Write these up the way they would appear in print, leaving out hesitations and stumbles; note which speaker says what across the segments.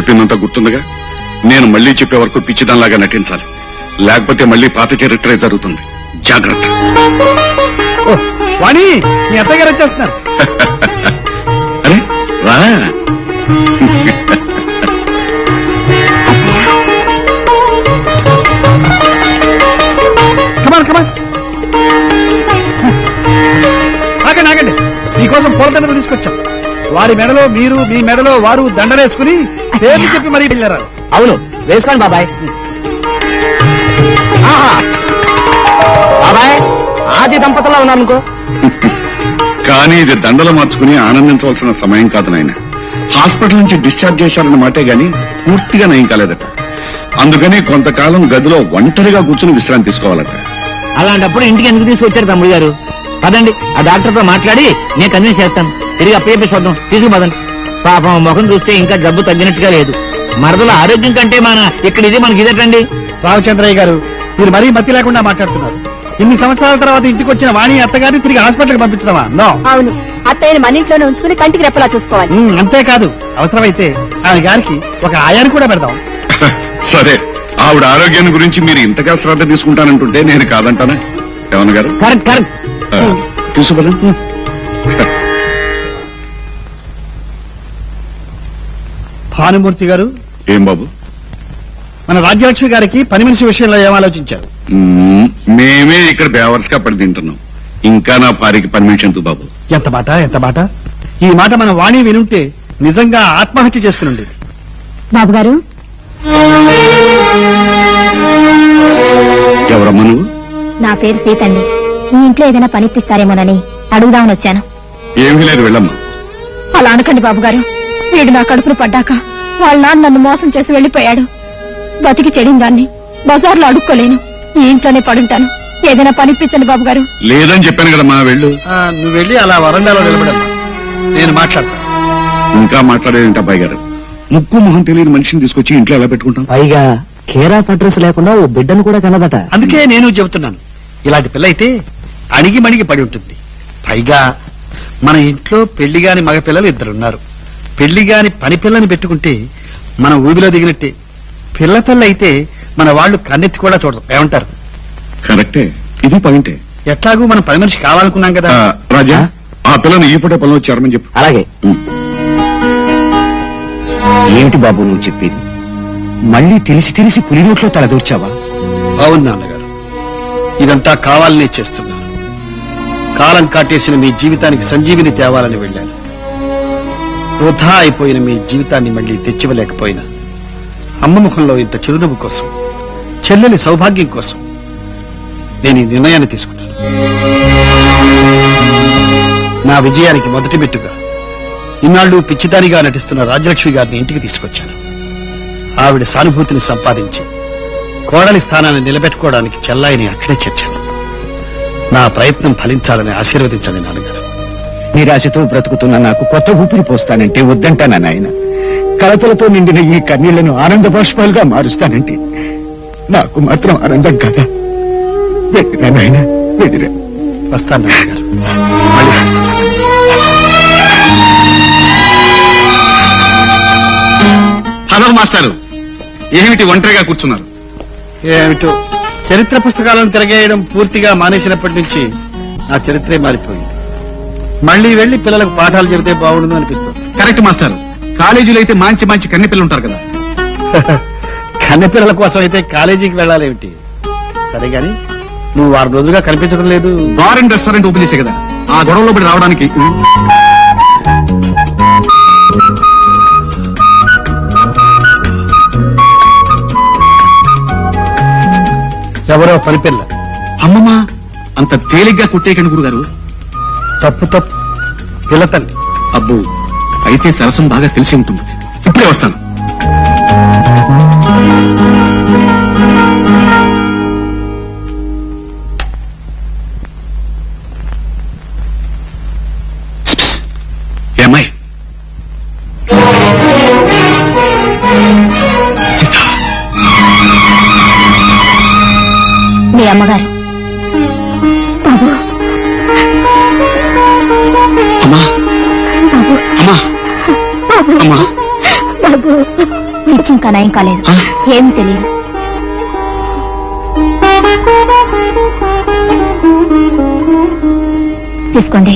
Speaker 1: చెప్పిందంతా గుర్తుందిగా. నేను మళ్ళీ చెప్పే వరకు పిచ్చిదానిలాగా నటించాలి, లేకపోతే మళ్ళీ పాత చరిత్రే జరుగుతుంది. జాగ్రత్త.
Speaker 2: వాణి, మీ అత్తగారు వచ్చేస్తున్నారు.
Speaker 1: అరే రా.
Speaker 2: కమాన్ కమాన్. ఆగండి ఆగండి, మీకోసం పూలదండలు తీసుకొచ్చాం. వారి మెడలో మీరు, మీ మెడలో వారు దండలేసుకుని పేర్లు చెప్పి మరీ వెళ్ళారు.
Speaker 3: అవును, వేసుకోండి బాబాయ్. బాబాయ్, ఆది దంపతుల్లో ఉన్నానుకో.
Speaker 1: కానీ ఇది దండలు మార్చుకుని ఆనందించవలసిన సమయం కాదు నాయన. హాస్పిటల్ నుంచి డిశ్చార్జ్ చేశారన్న మాటే గాని పూర్తిగా నయం కాలేదట. అందుకని కొంతకాలం గదిలో ఒంటరిగా కూర్చుని విశ్రాంతి తీసుకోవాలట.
Speaker 3: అలాంటప్పుడు ఇంటికి ఎందుకు తీసుకొచ్చారు తమ్ముడు గారు? పదండి, ఆ డాక్టర్ తో మాట్లాడి నేను కన్విన్స్ చేస్తాను. తిరిగి అప్పయ్య చూద్దాం, తీసుకుపోదండి. పాపం ముఖం చూస్తే ఇంకా జబ్బు తగ్గినట్టుగా లేదు. మరదల ఆరోగ్యం కంటే ఇక్కడ ఇది మనకి ఇదేటండి.
Speaker 2: రామచంద్రయ్య గారు, మీరు మరీ మతి లేకుండా మాట్లాడుతున్నారు. ఇన్ని సంవత్సరాల తర్వాత ఇంటికి వచ్చిన వాణి అత్తగారిని తిరిగి హాస్పిటల్కి పంపించడమా? నో.
Speaker 4: అవును, అత్తయ్యని మన ఇంట్లోనే ఉంచుకుని కంటికి రెప్పలా చూసుకోవాలి.
Speaker 2: అంతేకాదు, అవసరమైతే ఆమె గారికి ఒక ఆయాన్ని కూడా పెడదాం.
Speaker 1: సరే, ఆవిడ ఆరోగ్యాన్ని గురించి మీరు ఇంతగా శ్రద్ధ తీసుకుంటానంటుంటే నేను కాదంటానా? ఏమన్న గారు?
Speaker 3: Correct correct.
Speaker 1: తీసుకుపదండి.
Speaker 2: భానుమూర్తి గారు.
Speaker 1: ఏం బాబు?
Speaker 2: మన రాజ్యలక్ష్మి గారికి పని మనిషి విషయంలో ఏం ఆలోచించారు?
Speaker 1: మేమే ఇక్కడ బేవర్స్ గా పడి తింటున్నాం. ఇంకా నా భార్యకి పర్మిషన్ ఎందుకు బాబు?
Speaker 2: ఎంత మాట, ఎంత మాట! ఈ మాట మన వాణి వినుంటే నిజంగా ఆత్మహత్య చేసుకుని ఉండేది.
Speaker 4: బాబు గారు,
Speaker 1: ఎవరమ్మా నువ్వు?
Speaker 4: నా పేరు సీతండి. మీ ఇంట్లో ఏదైనా పనిపిస్తారేమోనని అడుగుదామని వచ్చాను.
Speaker 1: ఏమీ లేదు, వెళ్ళమ్మా.
Speaker 4: అలా అనకండి బాబు గారు. వీడు నా కడుపును పడ్డాక వాళ్ళ నాన్న నన్ను మోసం చేసి వెళ్లిపోయాడు. బతికి చెడిన దాన్ని బజార్లో అడుక్కోలేను. ఈ ఇంట్లోనే పడుంటాను. ఏదైనా పనిపించండి బాబు గారు.
Speaker 1: లేదని చెప్పాను కదమ్మా, వెళ్ళు.
Speaker 2: నువ్వు వెళ్ళి అలా వరండాలో నిలబడమ్మా, నేను మాట్లాడతాను.
Speaker 1: ఇంకా మాట్లాడేంట అబ్బాయి గారు? ముక్కు మొహం తెలియని మనిషిని తీసుకొచ్చి ఇంట్లో ఎలా పెట్టుకుంటాం?
Speaker 3: పైగా కేర్ ఆఫ్ అడ్రస్ లేకుండా ఓ బిడ్డను కూడా కనదట.
Speaker 2: అందుకే నేను చెబుతున్నాను, ఇలాంటి పిల్ల అయితే అణిగి మణిగి పడి ఉంటుంది. పైగా మన ఇంట్లో పెళ్లిగాని మగపిల్లలు ఇద్దరున్నారు. పెళ్లిగాని పని పిల్లని పెట్టుకుంటే మనం ఊబిలో దిగినట్టే. పిల్ల పిల్ల అయితే మన వాళ్ళు కన్నెత్తి కూడా చూడరు. ఏమంటారు?
Speaker 1: కరెక్టే, ఇది పాయింటే.
Speaker 2: ఎట్లాగూ మనం పని మనిషి కావాలనుకున్నాం కదా.
Speaker 1: రాజా, ఆ పిల్లని ఈ పూట పొలం వచ్చారమని చెప్పు.
Speaker 3: అలాగే.
Speaker 5: ఏమిటి బాబు నువ్వు చెప్పేది? మళ్ళీ తెలిసి తెలిసి పులి నోట్లో తలదూర్చావా?
Speaker 2: అవును నాన్నగారు, ఇదంతా కావాలనే చేస్తున్నాను. కాలం కాటేసిన మీ జీవితానికి సంజీవిని తేవాలని వెళ్ళాను. వృధా అయిపోయిన మీ జీవితాన్ని మళ్ళీ తెచ్చివ్వలేకపోయినా అమ్మ ముఖంలో ఇంత చిరునవ్వు కోసం, చెల్లెలి సౌభాగ్యం కోసం నేను ఈ నిర్ణయాన్ని తీసుకున్నాను. నా విజయానికి మొదటి మెట్టుగా ఇన్నాళ్లు పిచ్చిదానిగా నటిస్తున్న రాజ్యలక్ష్మి గారిని ఇంటికి తీసుకొచ్చాను. ఆవిడ సానుభూతిని సంపాదించి కోడలి స్థానాన్ని నిలబెట్టుకోవడానికి చెల్లాయిని అక్కడే చేర్చాను. నా ప్రయత్నం ఫలించాలని ఆశీర్వదించండి నాన్నగారు.
Speaker 5: నిరాశతో బ్రతుకుతున్న నాకు కొత్త ఊపిరి పోస్తానంటే వద్దంటానా నాయన? కలతలతో నిండిన ఈ కన్నీళ్లను ఆనంద బాష్పాలుగా మారుస్తానంటే నాకు మాత్రం ఆనందం కదా. వెళ్ళిరా నాయన, వెళ్ళిరా.
Speaker 2: వస్తాను నాన్నగారు, మళ్ళీ వస్తాను.
Speaker 1: హలో మాస్టారు, ఏమిటి ఒంటరిగా కూర్చున్నారు?
Speaker 2: ఏమిటో, చరిత్ర పుస్తకాలను తిరగేయడం పూర్తిగా మానేసినప్పటి నుంచి నా చరిత్రే మారిపోయింది. మళ్ళీ వెళ్లి పిల్లలకు పాఠాలు చెబితే బాగుండు అనిపిస్తుంది.
Speaker 1: కరెక్ట్ మాస్టారు, కాలేజీలో అయితే మంచి మంచి కన్నె పిల్లలు ఉంటారు కదా.
Speaker 2: కన్నెపిల్లల కోసం అయితే కాలేజీకి వెళ్ళాలేమిటి? సరే గాని, నువ్వు 6 రోజులుగా కనిపించడం లేదు.
Speaker 1: బార్ అండ్ రెస్టారెంట్ ఓపెన్ చేసే కదా, ఆ గొడవలో పడి రావడానికి.
Speaker 2: ఎవరో పనిపిల్ల.
Speaker 1: అమ్మమ్మ, అంత తేలిగ్గా కుట్టేయకండి గురుగారు.
Speaker 2: తప్పు తప్పు, పిల్ల తల్లి.
Speaker 1: అబ్బో, అయితే సరసం బాగా తెలిసి ఉంటుంది. ఇప్పుడే వస్తాను. ఏమ్మాయి? సీత,
Speaker 4: మీ అమ్మగారు. బాబు,
Speaker 1: అమ్మా, అమ్మా, అమ్మా.
Speaker 4: బాబు. ఇంకా నయం కాలేదు. ఏమీ తెలియదు. తీసుకోండి.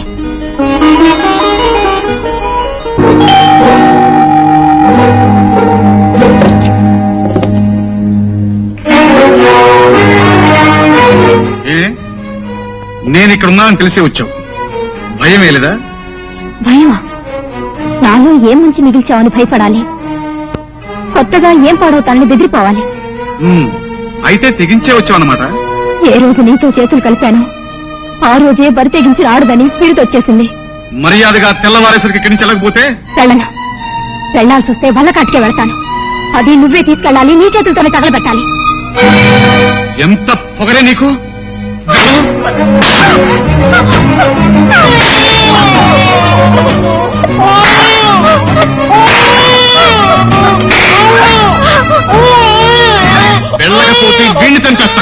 Speaker 1: నేను ఇక్కడ ఉన్నానని తెలిసే వచ్చావు. భయం వేయలేదా?
Speaker 4: భయమా? నాలో ఏం మంచి మిగిల్చావని భయపడాలి, కొత్తగా ఏం పాడవుతానని బెదిరిపోవాలి.
Speaker 1: అయితే తెగించే వచ్చావన్నమాట.
Speaker 4: ఏ రోజు నీతో చేతులు కలిపానో ఆ రోజే బరి తెగించి రాడదని పిరితొచ్చేసింది.
Speaker 1: మర్యాదగా తెల్లవారేసరికి ఇక్కడి నుంచి వెళ్ళకపోతే
Speaker 4: వెళ్ళను. వెళ్లాల్సి వస్తే వల్లకాటికే వెళ్తాను. అది నువ్వే తీసుకెళ్ళాలి, నీ చేతులతోనే తగలబెట్టాలి.
Speaker 1: ఎంత పొగరే నీకు! వెళ్ళకపోతే వీణ్ణి చంపేస్తాను.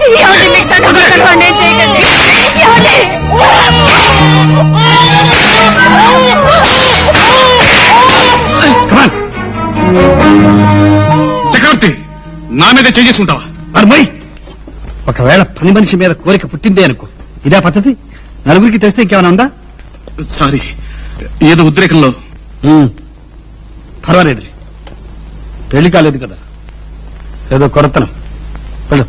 Speaker 1: చక్రవర్తి, నా మీద చేసుకుంటావా?
Speaker 2: అర్మయ్, ఒకవేళ పని మనిషి మీద కోరిక పుట్టిందే అనుకో, ఇదే పద్ధతి? నలుగురికి తెస్తే ఇంకేమైనా ఉందా?
Speaker 1: సారీ, ఏదో ఉద్రేకంలో.
Speaker 2: పర్వాలేదు, పెళ్లి కాలేదు కదా, ఏదో కొరతనం. వెళ్ళు.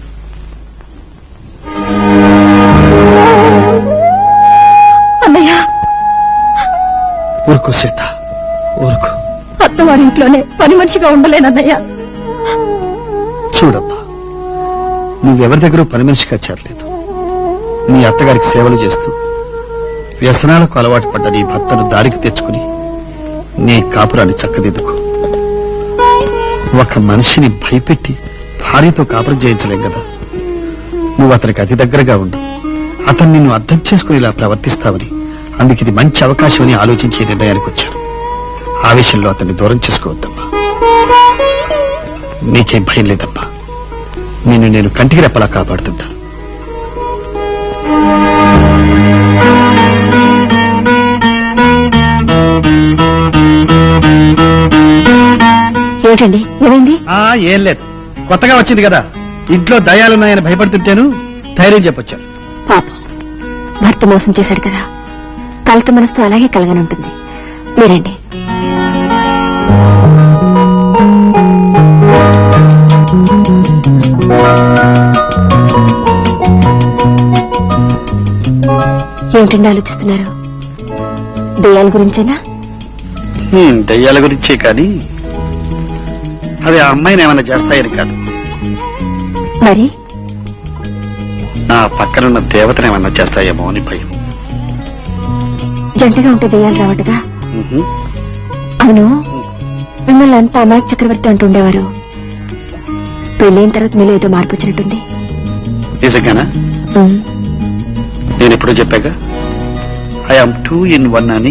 Speaker 4: అన్నయ్య,
Speaker 2: ఊరుకో సీత, ఊరుకో.
Speaker 4: అత్తవారింట్లోనే పని మనిషిగా ఉండలేనన్నయ్య.
Speaker 2: చూడమ్మా, నువ్వెవరి దగ్గర పని మనిషిగా చేరలేదు. నీ అత్తగారికి సేవలు చేస్తూ వ్యసనాలకు అలవాటు పడ్డ నీ భర్తను దారికి తెచ్చుకుని నీ కాపురాన్ని చక్కదిద్దుకో. ఒక మనిషిని భయపెట్టి భార్యతో కాపురం చేయించలేం కదా. నువ్వు అతనికి అతి దగ్గరగా ఉండి అతను నిన్ను అర్థం చేసుకుని ఇలా ప్రవర్తిస్తావని, అందుకు ఇది మంచి అవకాశం అని ఆలోచించే నిర్ణయానికి వచ్చాను. ఆవేశంలో అతన్ని దూరం చేసుకోవద్దమ్మా. నీకేం భయం లేదమ్మా, నిన్ను నేను కంటికి రెప్పలా కాపాడుతుంటా.
Speaker 4: ఏమిటండి, ఏమైంది?
Speaker 2: ఏం లేదు, కొత్తగా వచ్చింది కదా, ఇంట్లో దయాలున్నాయని భయపడుతుంటేను ధైర్యం చెప్పొచ్చాను.
Speaker 4: పాపం, భర్త మోసం చేశాడు కదా, కలత మనసుతో అలాగే కలగనుంటుంది. మీరండి. ఏమిటండి ఆలోచిస్తున్నారు? దయ్యాల గురించేనా?
Speaker 2: దయ్యాల గురించే, కానీ అవి ఆ అమ్మాయిని ఏమైనా చేస్తాయని కాదు.
Speaker 4: మరి
Speaker 2: నా పక్కనున్న దేవతను ఏమన్నా చేస్తాయేమో అని భయం.
Speaker 4: జంటగా ఉంటే దయ్యాలు రావటగా? అవును, మిమ్మల్ని అంతా అమాయక చక్రవర్తి అంటుండేవారు. పెళ్ళైన తర్వాత మీలో ఏదో మార్పు వచ్చినట్టుంది.
Speaker 2: నిజంగానా? నేను ఎప్పుడూ చెప్పాగా, ఐ ఆమ్ 2 in 1 అని.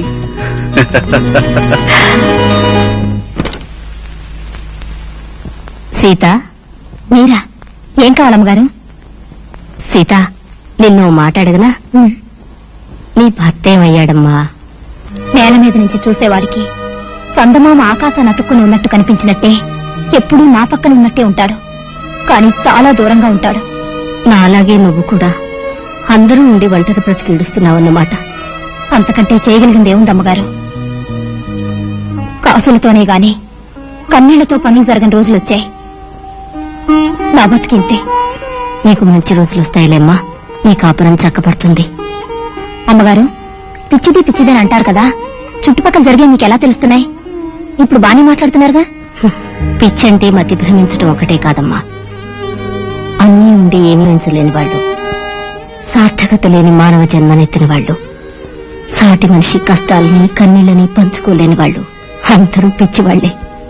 Speaker 4: సీత, మీరా? ఏం కావాలమ్మగారు? సీత, నిన్ను మాట్లాడగనా? నీ భర్త ఏమయ్యాడమ్మా? నేల మీద నుంచి చూసేవాడికి చందమామ ఆకాశాన్ని అతుక్కుని ఉన్నట్టు కనిపించినట్టే ఎప్పుడూ నా పక్కన ఉన్నట్టే ఉంటాడు, కానీ చాలా దూరంగా ఉంటాడు. నాలాగే నువ్వు కూడా అందరూ ఉండి ఒంటరి బ్రతికి ఇడుస్తున్నావన్నమాట. అంతకంటే చేయగలిగింది ఏముందమ్మగారు? కాసులతోనే గాని కన్నీళ్లతో పనులు జరగని రోజులొచ్చాయి. నా బతికింతే. నీకు మంచి రోజులు వస్తాయిలేమ్మా, నీ కాపురం చక్కపడుతుంది. అమ్మగారు, పిచ్చిది పిచ్చిదని అంటారు కదా, చుట్టుపక్కల జరిగే మీకెలా తెలుస్తున్నాయి? ఇప్పుడు బానే మాట్లాడుతున్నారుగా. పిచ్చంటే మతి భ్రమించడం ఒకటే కాదమ్మా, అన్నీ ఉండి ఏమీ ఉంచలేని వాళ్ళు, సార్థకత లేని మానవ జన్మనెత్తిన వాళ్ళు, సాటి మనిషి కష్టాలని కన్నీళ్ళని పంచుకోలేని వాళ్ళు అందరూ పిచ్చివాళ్లే.